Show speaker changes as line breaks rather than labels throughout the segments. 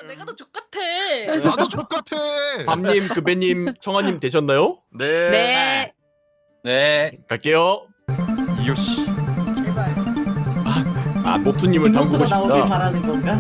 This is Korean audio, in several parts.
내가 더 족같아.
나도 족같아.
밤님, 금배님, 청아님 되셨나요?
네.
네.
네.
갈게요. 이요씨.
제발.
아, 노트님을 담그고
노트가 나오길
싶다.
바라는 건가?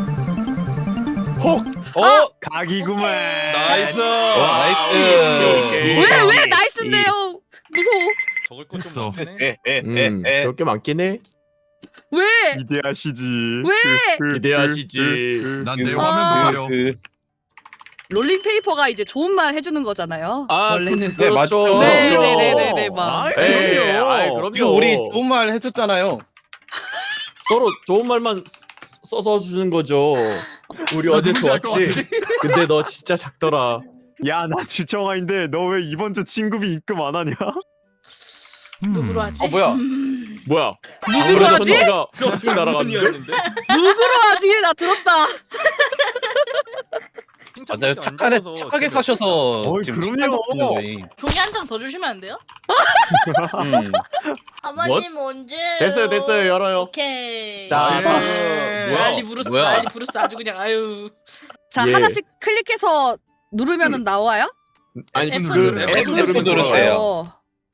헉!
각이구만.
나이스.
나이스.
왜 나이스인데요? 무서워.
적을 것좀
했어.
많네.
그럴 게 많긴 해.
왜?
기대하시지.
왜?
기대하시지.
난 내 화면 보려.
롤링 페이퍼가 이제 좋은 말 해주는 거잖아요.
아,
원래는.
네, 맞죠.
네네네네네 막.
아이,
그럼요.
그럼요. 아이, 그럼요.
지금 우리 좋은 말 했었잖아요.
서로 좋은 말만 써서 주는 거죠. 우리
나
어제
누군지 알것
좋았지. 근데 너 진짜 작더라.
야, 나 주청아인데 너 왜 이번 주 친구비 입금 안 하냐?
누구로 하지?
뭐야?
뭐야?
누구로 하지?
쭉 날아갔는데?
누구로 하지? 나 들었다.
맞아요. 착하게 사셔서
어이,
지금
그럼요.
칭찬 받는 거예요.
종이 한 장 더 주시면 안 돼요?
아마님 언제?
됐어요. 열어요.
오케이.
자,
예.
다음.
난리 부르스,
뭐야?
난리 부르스 아주 그냥 아유. 자
예.
하나씩 클릭해서 누르면은 나와요?
아니,
F
그
누르세요.
F 누르면
누르세요.
돌아와요.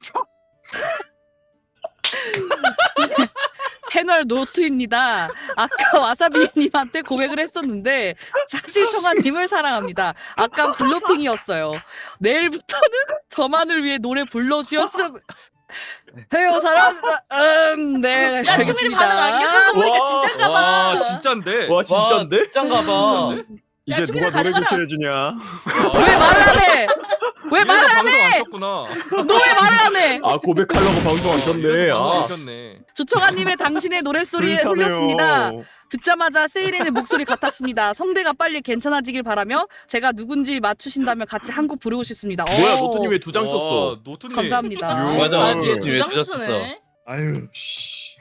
패널 노트입니다. 아까 와사비님한테 고백을 했었는데 사실 청아님을 사랑합니다. 아까 블로핑이었어요. 내일부터는 저만을 위해 노래 불러주셨음 해요 사람. 네.
야 추미리 반응 안
알겠습니다.
겪은 거 보니까
와.
진짜인가 봐.
와 진짠데?
와, 진짠데?
진짠가 봐.
이제
주민아,
누가 노래
가져가라.
교체해주냐?
왜 말을 안 해? 왜 말을 안 해?
안 썼구나.
너 왜 말을 안 해?
아, 고백하려고 방송하셨네. 아,
네
조청아님의 당신의 노랫소리에
불타네요.
홀렸습니다. 듣자마자 세이렌의 목소리 같았습니다. 성대가 빨리 괜찮아지길 바라며 제가 누군지 맞추신다면 같이 한 곡 부르고 싶습니다.
뭐야,
오,
노트님 왜 두 장 썼어?
노트님.
감사합니다.
맞아.
아,
노트님 왜
두장
두장
쓰네.
아유, 씨.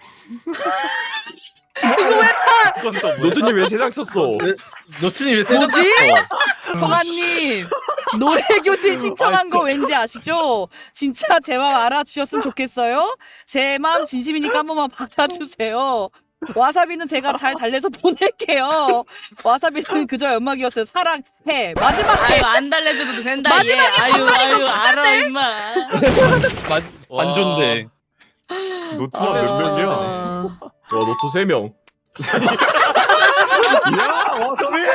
그건 또 뭐야?
노트님 왜 세 장 썼어?
노트님 왜
뭐지?
세장
청아님 노래 교실 신청한 거 왠지 아시죠? 진짜 제 맘 알아주셨으면 좋겠어요. 제 맘 진심이니까 한 번만 받아주세요. 와사비는 제가 잘 달래서 보낼게요. 와사비는 그저 연막이었어요. 사랑해. 마지막에
아유 안 달래줘도 된다.
마지막에
아유 알아 임마.
반존데.
노트가 몇 명이야?
아,
노트 3명.
야, 와서비!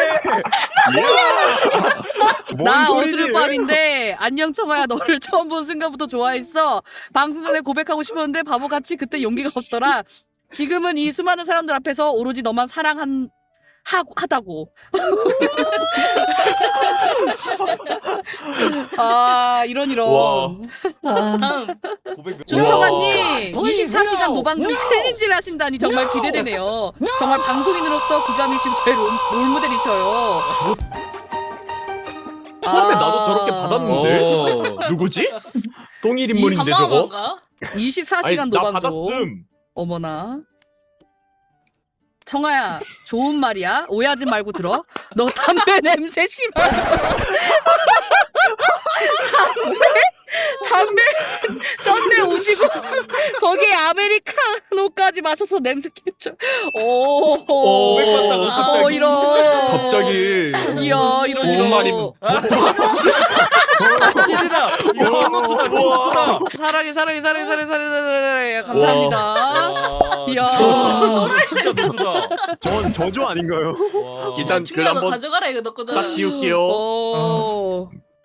뭔
나
소리지?
어스름밤인데 안녕 청아야 너를 처음 본 순간부터 좋아했어. 방송 전에 고백하고 싶었는데 바보같이 그때 용기가 없더라. 지금은 이 수많은 사람들 앞에서 오로지 너만 하다고. 아 이런.
와.
다음.
준청아님 24시간 노방송 챌린지를 하신다니 정말 기대되네요. 정말 방송인으로서 기가미시고 저의 롤모델이셔요.
처음에 나도 저렇게 받았는데? 누구지? 동일 인물인데 저거?
한마음인가?
24시간
아니, 나
노방송.
받았음.
어머나. 청아야 좋은 말이야. 오해하지 말고 들어. 너 담배 냄새 심하다. 담배 썬데 오지고 거기에 아메리카노까지 마셔서 냄새 깼죠. 오.
고백받다가 갑자기.
이런.
갑자기.
이야 이런.
좋은 말이면. 찐이다. 이거 노트다. 노트다.
사랑해. 감사합니다. 이야.
진짜 노트다.
전 저조 아닌가요?
일단 글
추미야 너
한번
가져가라 이거 너 거잖아.
싹 지울게요.
오.